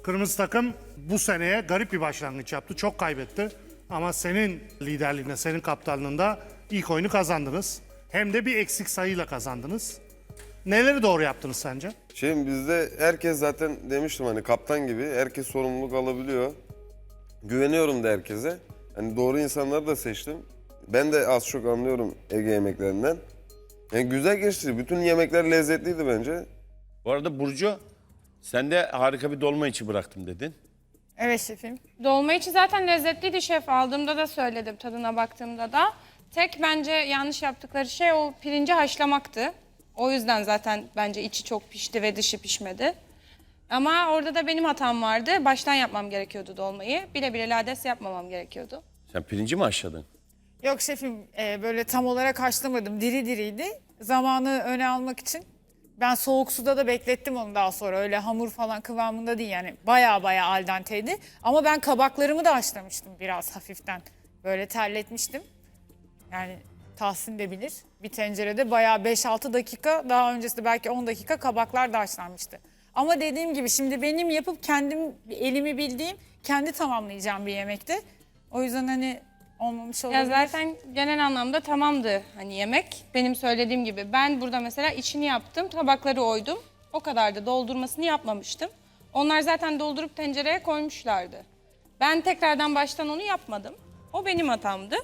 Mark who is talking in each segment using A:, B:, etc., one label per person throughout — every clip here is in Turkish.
A: Kırmızı takım bu seneye garip bir başlangıç yaptı. Çok kaybetti. Ama senin liderliğinde, senin kaptanlığında ilk oyunu kazandınız. Hem de bir eksik sayıyla kazandınız. Neleri doğru yaptınız sence?
B: Şimdi bizde herkes zaten demiştim hani kaptan gibi herkes sorumluluk alabiliyor. Güveniyorum da herkese. Hani doğru insanları da seçtim. Ben de az çok anlıyorum Ege yemeklerinden. Yani güzel geçti. Bütün yemekler lezzetliydi bence.
C: Bu arada Burcu, sen de harika bir dolma içi bıraktım dedin.
D: Evet şefim.
E: Dolma içi zaten lezzetliydi şef. Aldığımda da söyledim, tadına baktığımda da. Tek bence yanlış yaptıkları şey o pirinci haşlamaktı. O yüzden zaten bence içi çok pişti ve dışı pişmedi. Ama orada da benim hatam vardı. Baştan yapmam gerekiyordu dolmayı. Bile bile lades yapmamam gerekiyordu.
C: Sen pirinci mi haşladın?
D: Yok şefim böyle tam olarak haşlamadım. Diri diriydi. Zamanı öne almak için. Ben soğuk suda da beklettim onu daha sonra. Öyle hamur falan kıvamında değil yani. Baya baya al denteydi. Ama ben kabaklarımı da haşlamıştım biraz hafiften. Böyle terletmiştim. Yani Tahsin de bilir. Bir tencerede bayağı 5-6 dakika, daha öncesinde belki 10 dakika kabaklar da haşlanmıştı. Ama dediğim gibi şimdi benim yapıp kendim elimi bildiğim, kendi tamamlayacağım bir yemekti. O yüzden hani olmamış olabilir.
E: Ya zaten genel anlamda tamamdı hani yemek. Benim söylediğim gibi ben burada mesela içini yaptım, tabakları oydum. O kadar da doldurmasını yapmamıştım. Onlar zaten doldurup tencereye koymuşlardı. Ben tekrardan baştan onu yapmadım. O benim hatamdı.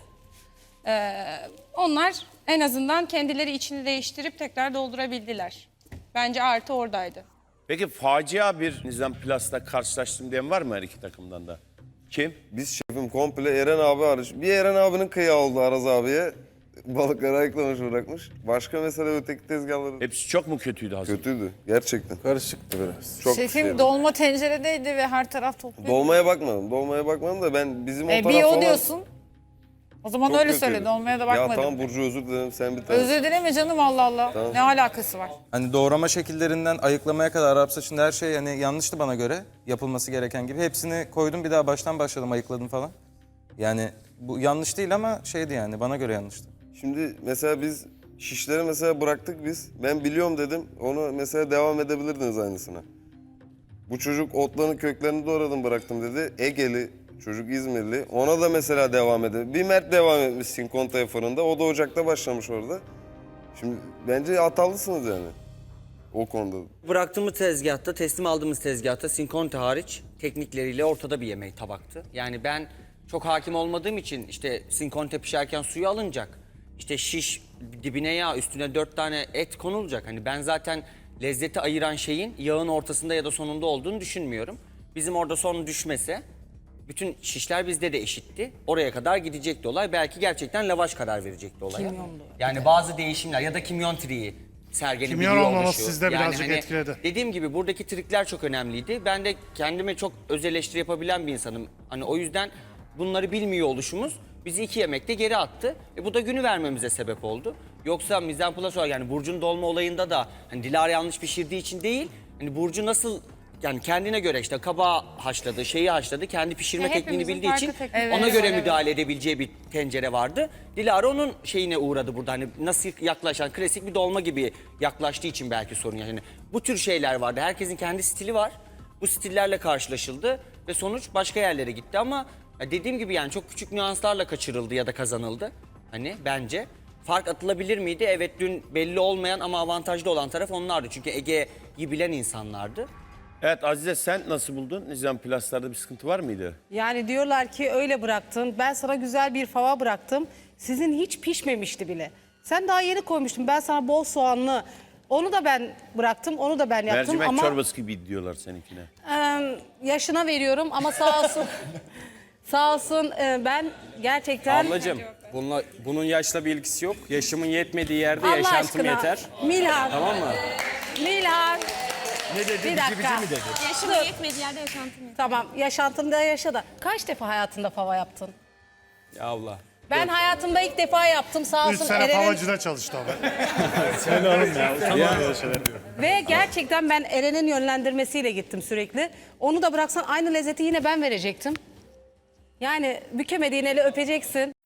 E: Onlar en azından kendileri içini değiştirip tekrar doldurabildiler. Bence artı oradaydı.
C: Peki facia bir Nizam Plus'ta karşılaştım diyen var mı her iki takımdan da? Kim?
B: Biz şefim komple Eren abi hariç. Bir Eren abinin kıyağı oldu Araz abiye. Balıkları ayıklamış bırakmış. Başka mesele öteki tezgahları
C: Hepsi çok mu kötüydü Hazır?
B: kötüydü gerçekten.
F: Karışıktı biraz.
B: Çok
D: Şefim
B: şeydi.
D: dolma tenceredeydi ve her taraf topluyordu.
B: Dolmaya bakmadım. Dolmaya bakmadım da ben bizim o taraf
D: Bir o
B: falan
D: diyorsun. O zaman
B: çok
D: öyle
B: kötüydü.
D: söyle, dolmaya da
B: Ya
D: bakmadım.
B: tamam Burcu özür dilerim sen bir tane.
D: Özür dileme canım, Allah Allah.
B: Tamam.
D: Ne alakası var?
F: Hani doğrama şekillerinden ayıklamaya kadar Arap saçında her şey yani yanlıştı bana göre. Yapılması gereken gibi. Hepsini koydum, bir daha baştan başladım, ayıkladım falan. Yani bu yanlış değil ama şeydi yani, bana göre yanlıştı.
B: Şimdi mesela biz şişleri mesela bıraktık biz. Ben biliyorum dedim. Onu mesela devam edebilirdiniz aynısına. Bu çocuk otların köklerini doğradım bıraktım dedi. Egeli çocuk İzmirli. Ona da mesela devam edelim. Bir Mert devam etmiş Sinkonta'ya fırında. O da ocakta başlamış orada. Şimdi bence hatalısınız yani. O konuda.
G: Bıraktığımız tezgahta, teslim aldığımız tezgahta Sinkonte hariç teknikleriyle ortada bir yemek tabaktı. Yani ben çok hakim olmadığım için işte Sinkonte pişerken suyu alınacak. İşte şiş dibine yağ, üstüne 4 tane et konulacak. Hani ben zaten lezzeti ayıran şeyin yağın ortasında ya da sonunda olduğunu düşünmüyorum. Bizim orada son düşmese bütün şişler bizde de eşitti. Oraya kadar gidecekti olay. Belki gerçekten lavaş karar verecekti olaya. Yani bazı değişimler ya da kimyon triği sergilenebiliyor
A: Kimyon olmaması
G: oluşu.
A: sizde birazcık etkiledi.
G: Dediğim gibi buradaki trikler çok önemliydi. Ben de kendime çok öz eleştiri yapabilen bir insanım. Hani o yüzden bunları bilmiyor oluşumuz bizi 2 yemekte geri attı. Bu da günü vermemize sebep oldu. Yoksa Mise en place yani Burcu'nun dolma olayında da hani Dilara yanlış pişirdiği için değil. Hani Burcu nasıl yani kendine göre işte kabağı haşladı, şeyi haşladı. Kendi pişirme
E: Ya
G: tekniğini
E: hepimizin
G: bildiği için
E: farklı teknikleri
G: ona
E: var,
G: göre
E: evet.
G: müdahale edebileceği bir tencere vardı. Dilara onun şeyine uğradı burada. Hani nasıl yaklaşan klasik bir dolma gibi yaklaştığı için belki sorun yani. Bu tür şeyler vardı. Herkesin kendi stili var. Bu stillerle karşılaşıldı ve sonuç başka yerlere gitti ama ya dediğim gibi yani çok küçük nüanslarla kaçırıldı ya da kazanıldı. Hani bence fark atılabilir miydi? Evet dün belli olmayan ama avantajlı olan taraf onlardı. Çünkü Ege'yi bilen insanlardı.
C: Evet Azize, sen nasıl buldun? Nizam Plus'larda bir sıkıntı var mıydı?
H: Yani diyorlar ki öyle bıraktın. Ben sana güzel bir fava bıraktım. Sizin hiç pişmemişti bile. Sen daha yeni koymuştun. Ben sana bol soğanlı. Onu da ben bıraktım. Onu da ben yaptım
C: Mercimek
H: ama
C: çorbası gibi diyorlar seninkine.
H: yaşına veriyorum ama sağ olsun. Sağ olsun ben gerçekten
I: Ablacığım bunun yaşla bir ilgisi yok. Yaşımın yetmediği yerde
H: Allah
I: yaşantım
H: aşkına.
I: yeter.
H: Milhan.
I: Tamam mı?
H: Milhan.
C: Ne dedi?
H: Bir dakika.
C: mi dedi?
E: Yaşımın yetmediği yerde yaşantım yok.
H: Tamam, yaşantında yaşa da. Kaç defa hayatında fava yaptın?
I: Ya Allah.
H: Ben hayatımda ilk defa yaptım, sağ
A: 3
H: olsun
A: sene
H: Eren'in.
A: favacıda çalıştı ama.
H: Ve gerçekten ben Eren'in yönlendirmesiyle gittim sürekli. Onu da bıraksan aynı lezzeti yine ben verecektim. Yani bükemediğin eli öpeceksin.